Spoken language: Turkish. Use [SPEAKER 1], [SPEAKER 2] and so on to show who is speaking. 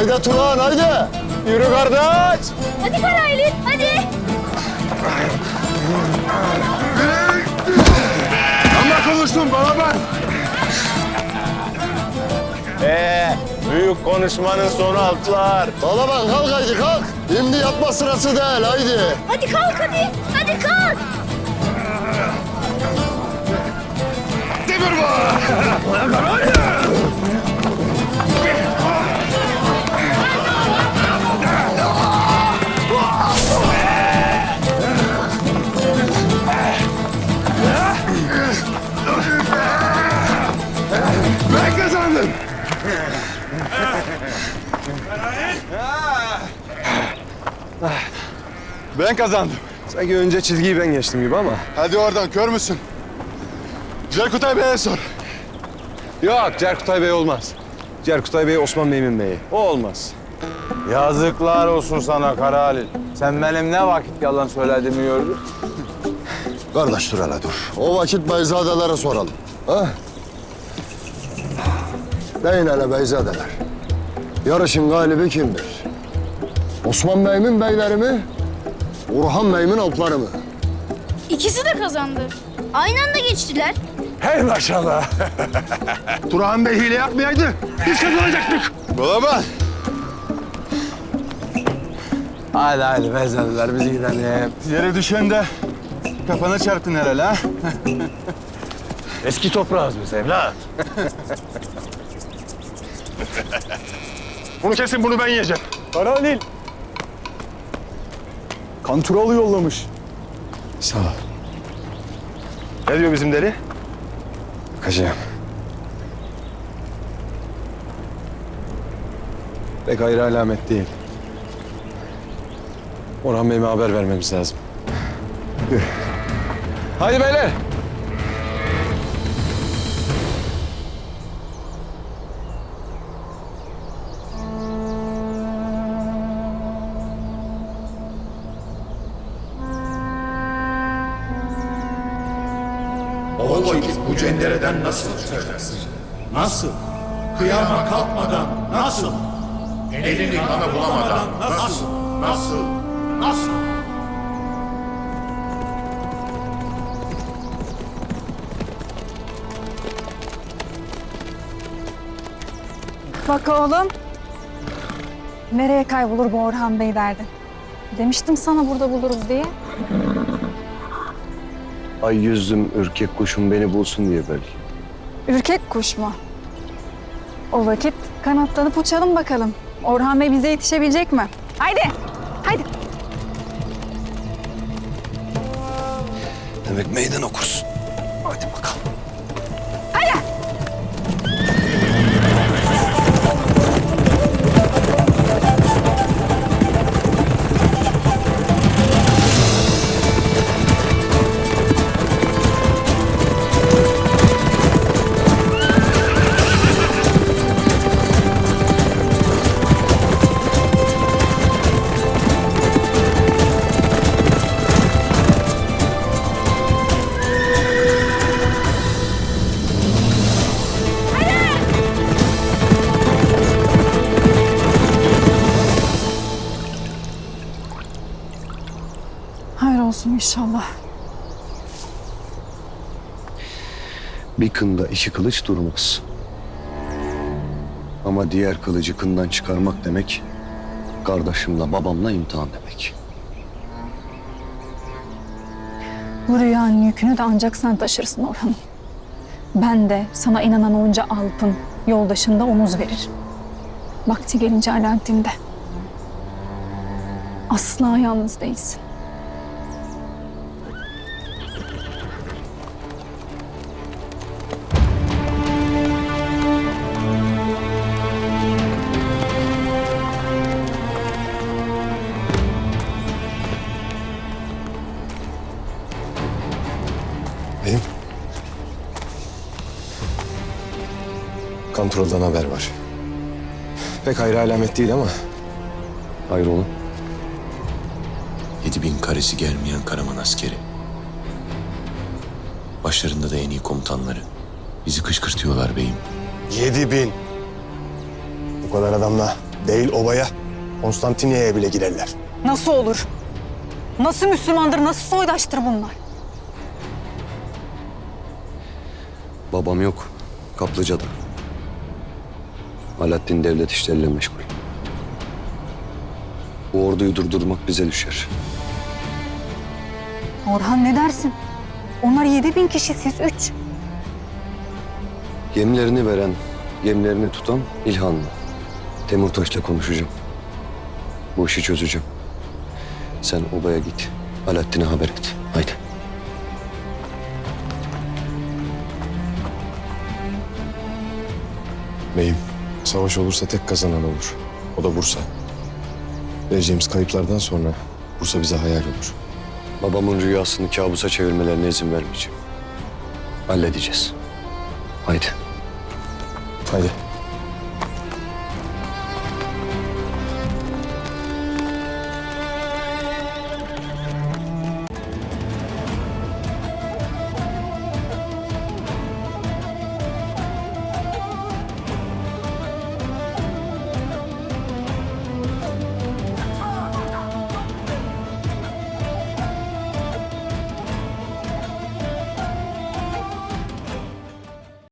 [SPEAKER 1] Haydi Turan haydi. Yürü kardeş.
[SPEAKER 2] Hadi Karaylı, hadi.
[SPEAKER 1] Ama konuştum bana ben. Büyük konuşmanın sonu altlar. Bana bak kalk haydi kalk. Şimdi yapma sırası değil haydi.
[SPEAKER 2] Hadi kalk hadi. Hadi kalk.
[SPEAKER 1] Demir var. Ben kazandım. Ben kazandım.
[SPEAKER 3] Sanki önce çizgiyi ben geçtim gibi ama.
[SPEAKER 1] Hadi oradan kör müsün? Cerkutay Bey'e sor.
[SPEAKER 3] Yok, Cerkutay Bey olmaz. Cerkutay Bey Osman Mümin Bey'i. O olmaz.
[SPEAKER 4] Yazıklar olsun sana Kara Halil. Sen benim ne vakit yalan söylediğimi gördün.
[SPEAKER 1] Kardeş dur hele dur. O vakit beyzadelere soralım. Ha? Deyin hele beyzadeler. Yarışın galibi kimdir? Osman Bey'in beyleri mi? Orhan Bey'in alpları mı?
[SPEAKER 2] İkisi de kazandı. Aynı anda geçtiler.
[SPEAKER 4] Hey maşallah.
[SPEAKER 1] Turhan Bey hile yapmayaydı. Biz kazanacaktık. Baba.
[SPEAKER 4] Hadi bezlediler bizi gidelim.
[SPEAKER 1] Yere düşen de kafana çarptın herhalde ha?
[SPEAKER 4] Eski toprağız biz evlat.
[SPEAKER 1] Bunu kesin bunu ben yiyeceğim.
[SPEAKER 3] Kara Halil. Kanturalı yollamış. Sağ ol.
[SPEAKER 1] Ne diyor bizim deri?
[SPEAKER 3] Bakacağım. Pek hayra alamet değil. Orhan Bey'ime haber vermemiz lazım. Haydi beyler.
[SPEAKER 5] O vakit bu cendereden nasıl çıkacaksın? Nasıl? Kıyama kalkmadan nasıl? Elini kana bulamadan nasıl? Nasıl? Nasıl?
[SPEAKER 6] Bak oğlum. Nereye kaybolur bu Orhan Bey derdin? Demiştim sana burada buluruz diye.
[SPEAKER 3] Ay yüzlüm ürkek kuşum beni bulsun diye belki.
[SPEAKER 6] Ürkek kuş mu? O vakit kanatlanıp uçalım bakalım. Orhan Bey bize yetişebilecek mi? Haydi, haydi.
[SPEAKER 3] Demek meydan okursun. Hadi bakalım.
[SPEAKER 6] Hayır olsun inşallah.
[SPEAKER 3] Bir kında iki kılıç durmaz. Ama diğer kılıcı kından çıkarmak demek, kardeşimle babamla imtihan demek.
[SPEAKER 6] Bu rüyanın yükünü de ancak sen taşırsın Orhan'ım. Ben de sana inanan onca Alp'ın yoldaşında omuz verir. Vakti gelince Alaaddin'de. Asla yalnız değilsin.
[SPEAKER 3] Beyim. Kontrolden haber var. Pek hayra alamet değil ama. Hayır oğlum.
[SPEAKER 7] 7000 karesi gelmeyen Karaman askeri. Başlarında da en iyi komutanları. Bizi kışkırtıyorlar beyim.
[SPEAKER 3] 7000. Bu kadar adamla
[SPEAKER 8] Değil obaya, Konstantiniyye'ye bile girerler.
[SPEAKER 6] Nasıl olur? Nasıl Müslümandır, nasıl soydaştır bunlar?
[SPEAKER 1] Babam yok. Kaplıca'da. Alaaddin devlet işleriyle meşgul. Bu orduyu durdurmak bize düşer.
[SPEAKER 6] Orhan ne dersin? Onlar 7000 kişi, siz 3.
[SPEAKER 1] Yemlerini veren, yemlerini tutan İlhan'la. Temurtaş'la konuşacağım. Bu işi çözeceğim. Sen obaya git. Alaaddin'e haber et. Haydi.
[SPEAKER 9] Beyim, savaş olursa tek kazanan olur. O da Bursa. Vereceğimiz kayıplardan sonra Bursa bize hayal olur.
[SPEAKER 1] Babamın rüyasını kabusa çevirmelerine izin vermeyeceğim. Halledeceğiz. Haydi.
[SPEAKER 9] Haydi.